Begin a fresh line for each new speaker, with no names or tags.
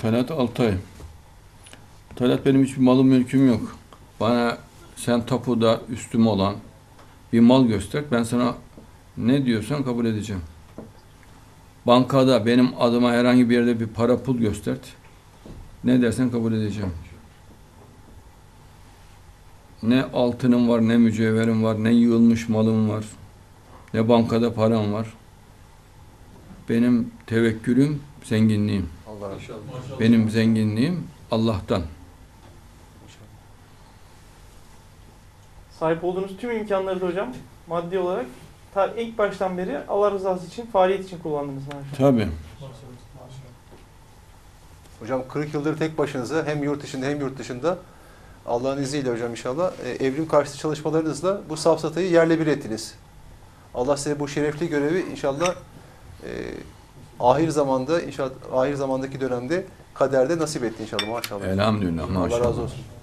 Talat Altay. Talat, benim hiçbir malım mülküm yok. Bana sen tapuda üstüm olan bir mal göster. Ben sana ne diyorsan kabul edeceğim. Bankada benim adıma herhangi bir yerde bir para pul göster. Ne dersen kabul edeceğim. Ne altınım var, ne mücevherim var, ne yığılmış malım var, ne bankada param var. Benim tevekkülüm, zenginliğim.
Allah razı olsun.
Benim zenginliğim Allah'tan.
Sahip olduğunuz tüm imkanları da hocam maddi olarak ilk baştan beri Allah rızası için, faaliyet için kullandınız maşallah.
Tabii.
Hocam 40 yıldır tek başınıza hem yurt içinde hem yurt dışında Allah'ın izniyle hocam inşallah evrim karşıtı çalışmalarınızla bu safsatayı yerle bir ettiniz. Allah size bu şerefli görevi inşallah ahir zamanda, inşallah ahir zamandaki dönemde kaderde nasip etti inşallah maşallah.
Elhamdülillah, maşallah.
Allah razı olsun.